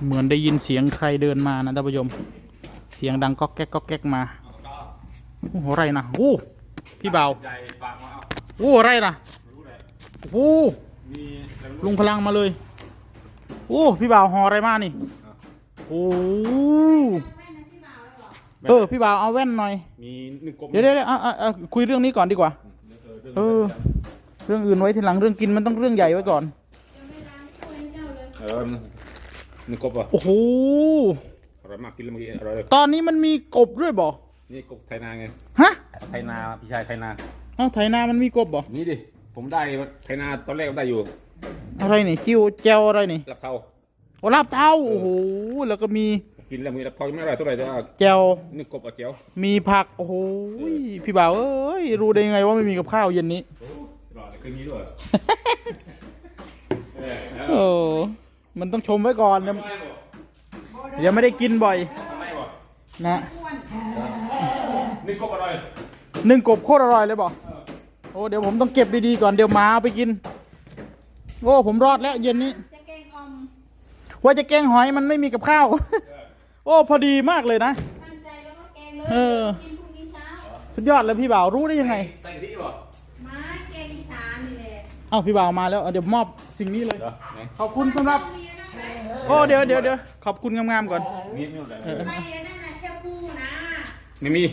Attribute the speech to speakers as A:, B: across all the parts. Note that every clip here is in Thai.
A: เหมือนได้ยินเสียงใครเดินมานะท่านผู้ชมเสียงดังก๊อกแก๊กก๊อกแก๊กมาโอ้โหอะไรนะโอ้พี่เบาโอ้อะไรนะโอ้ลุงพลังมาเลยโอ้พี่เบาห่ออะไรมานี่โอ้พี่บ่าวเอาแว่นหน่อยมีเดี๋ยวคุยเรื่องนี้ก่อนดีกว่าเรื่องอื่นไว้ทีหลังเรื่องกินมันต้องเรื่องใหญ่ไว้ก่อน
B: นี่กบอ่ะ
A: โอ้โห
B: อร่อยมากกินแล้วเมื่อกี้อร่อย
A: ตอนนี้มันมีกบด้วยบ่
B: นี่กบไทยนาไง
A: ฮะ
B: ไทยนาพี่ชายไทยนา
A: ไทยนามันมีกบบ่
B: นี่ดิผมได้ไทยนาตอนแรกได้อยู่
A: อะไรนี่จิ้วแจวอะไรนี่
B: ลาบเทา
A: โอ้ลาบเทาโอ้โหแล้วก็มี
B: กินแล้วมีลาบเทาไม่อร่อยเท่าไหร่แต่ว่า
A: แจว
B: นี่กบกับแจว
A: มีผักโอ้โหพี่บ่าวเอ้ยรู้ได้ยังไงว่าไม่มีกับข้าวเย็นนี้
B: อร่อยคืนนี้ด้วย
A: โอ้มันต้องชมไว้ก่อนนะยังไม่ได้กินบ่อยนะ
B: นึ่งกบอร่อย
A: นึ่งกบโคตรอร่อยเลยบอกโอ้เดี๋ยวผมต้องเก็บดีๆก่อนเดี๋ยวหมาเอาไปกินโอ้ผมรอดแล้วเย็นนี้ว่าจะแกงหอยมันไม่มีกับข้าวโอ้พอดีมากเลยนะสุดยอดเลยพี่บ่าวรู้ได้ยังไง
B: ใส่ที่บ่
C: มาแกงอีสานนี่แหละ
A: เอ้าพี่บ่าวมาแล้วเดี๋ยวมอบสิ่งนี้เลยขอบคุณสำหรับโอ้เดี๋ยวขอบคุณงามๆก่อน
B: นี่ไม่อะไร
C: ไม่นั่นน่ะเชี่ยวปูนะ
B: ไม่มี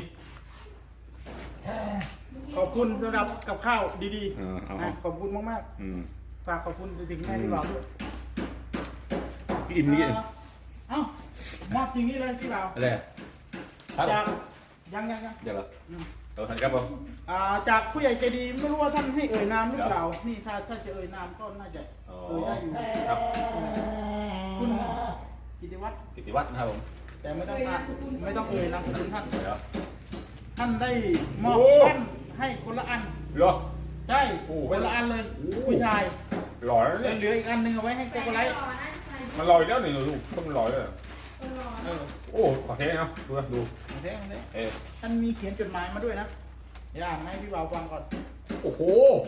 A: ขอบคุณสำหรับกับข้าวดีๆขอบคุณมากๆฝากขอบคุณถึงแม่พี่บ่าวด้วย
B: พี่อิ่มนี่
A: เอ้ามอบสิ่งนี้เลยพี่บ่าว
B: อะไร
A: จากยัง
B: เดี๋ยวเราทำครับผม
A: จากผู้ใหญ่ใจดีไม่รู้ว่าท่านให้เอ่ยนามหรือเปล่านี่ถ้าจะเอ่ยนามก็น่าจะเอ่ยได้อยู่
B: ครับ
A: คุณกิติวัฒน์
B: นะครับผม
A: แต่ไม่ต้องเอ่ยนามคุณท่านได้มอบแว่นให้คนละอัน
B: เหรอ
A: ใช่คนละอันเลยผู้ชาย
B: หล่อแล้ว
A: เหลืออีกอันนึงเอาไว้ให้โกโกไลท์
B: มันลอยแล้วนี่ลูกต้องลอยเลยโอ้ขอเทนะดู
A: ท่านมีเขียนจดหมายมาด้วยนะเดี๋ยวอ่านให้พี่บ่าวฟังก่อน
B: โอ้โห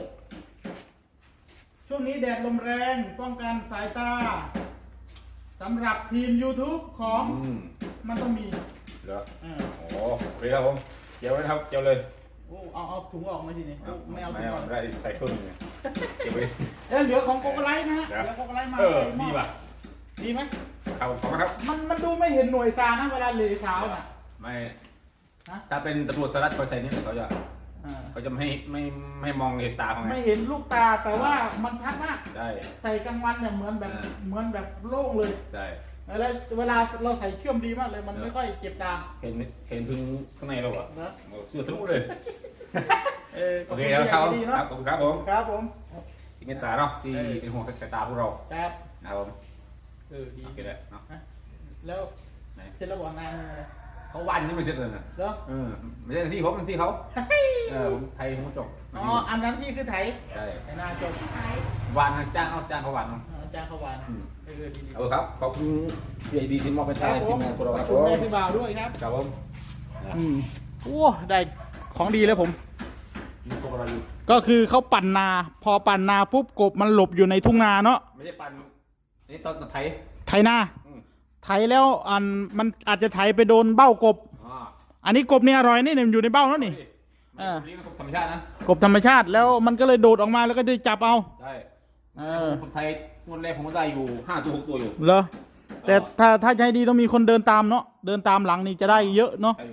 A: ช่วงนี้แดดลมแรงป้องกันสายตาสำหรับทีม YouTube ของมันต้องมี
B: เหรอโอ้โอเคครับผมเจียวเลยครับเจียวเลย
A: โอ้เอาถุงออกมาทีนี้ไม่เอาถุงออก
B: ได้ใส่เครื่องนึงเจียวไป
A: เหลือของโกโกไลท์นะฮะเหลือโกโกไลท์มา
B: ดีป่ะ
A: ดีไหม
B: ครับขอบคุณครับ
A: มันดูไม่เห็นหน่วยตานะเวลาเลยเช้าน่ะ
B: ไม่ถ้าเป็นตำรวจสลัดเขาใส่นี่เขาจะไม่มองเห็นตาเขาไง
A: ไม่เห็นลูกตาแต่ว่ามันชัดมาก
B: ได้
A: ใส่กลางวันเนี่ยเหมือนแบบโล่งเลย
B: ใช่
A: แล้วเวลาเราใส่เชื่อมดีมากเลยมันไม่ค่อยเจ็บตา
B: เห็นพึ่งข้างในเราเหรอเสื้อทะลุเลยโอเค
A: แล้ว
B: ครับขอบคุณครับผม
A: ครับผม
B: ที่เมตตาเนาะที่เป็นห่วงสายตาพวกเรา
A: ครับ
B: นะครับผม
A: ดี
B: โอเคแล้วเนาะ
A: แล้วเสร็จแล้วบอกงาน
B: เขาวันนี้ไม่เสร็จเลยนะไม่ใช่ที่ผมที่เขาผมไทยผมจบ
A: อันนั้นที่คือไทย
B: ใช่
A: ไทยนาจบ
B: วันจ้างเขาวัน
A: จ้างเขาวัน
B: ครับขอบคุณพี่ไอดีที่มอบไปใช้ทีมงานพวกเราครับผม
A: แม่พี่บ่าวด้วยครับ
B: ครับผม
A: โอ้ได้ของดีแล้วผมก็คือเขาปั่นนาพอปั่นนาปุ๊บกบมันหลบอยู่ในทุ่งนาเนาะ
B: ไม่ใช่ปั่นนี่ตอนไ
A: ถนาไถแล้วมันอาจจะไถไปโดนเบ้ากบอันนี้กบนี่อร่อยนี่อยู่ในเบ้าแล้วนี่
B: กบธรรมชาตินะ
A: กบธรรมชาติแล้วมันก็เลยโดดออกมาแล้วก็ได้จับเอา
B: ใช่คนไทยคนแรกผมก็ได้อยู่5 ตัว 6 ตัวอยู่
A: เหรอแต่ถ้าใจดีต้องมีคนเดินตามเนาะเดินตามหลังนี่จะได้เยอะเนาะ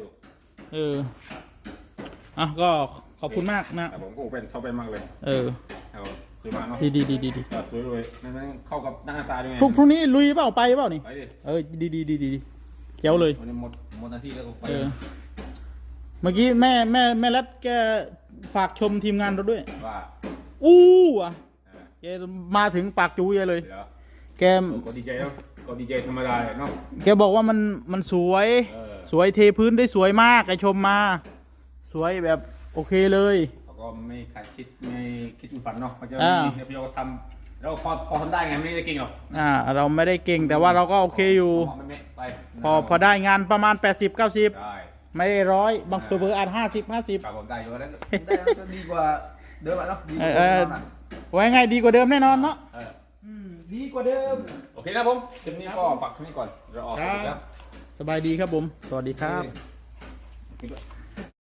A: ก็ขอบคุณมากนะ
B: ผมก็เป็นชอบไปมากเลยสวยมากเนาะ
A: ดี
B: สวยเลยนั่นเข้ากับหน้าตาด้วยไง
A: พรุ่งนี้ลุยเปล่าไปเปล่านี่ดีเกี้ยวเลย
B: หมดหน้าที่แล้วก็ไป
A: เมื่อกี้แม่รัดแกฝากชมทีมงานเราด้วย
B: ว่า
A: แกมาถึงปากจู๋เลยแก
B: ก็ดีใจแล้วก็ดีใจธรรมดาเนาะ
A: แกบอกว่ามันสวยเทพื้นได้สวยมากแกชมมาสวยแบบโอเคเลย
B: ก็ไม่ขาดไม่คิดฝันเนาะเขาจะมีพี่เราทำเราพอทำได้ไงไม่ได้เก่งหรอก
A: เราไม่ได้เก่งแต่ว่าเราก็โอเคอยู่พอได้งานประมาณ80-90ไม่ได้100บางตัวอาจ50
B: ผมได้อยู่แล้วได้ก็ดีกว่าเดิมแล้ว
A: ไว้ไงดีกว่าเดิมแน่นอนเนาะดีกว่าเดิม
B: โอเคนะผมคลิปนี้ก็ปักที่นี่ก่อนเราออก
A: ครับ
B: แล้ว
A: สบายดีครับผม สวัสดีครับ
B: โอเค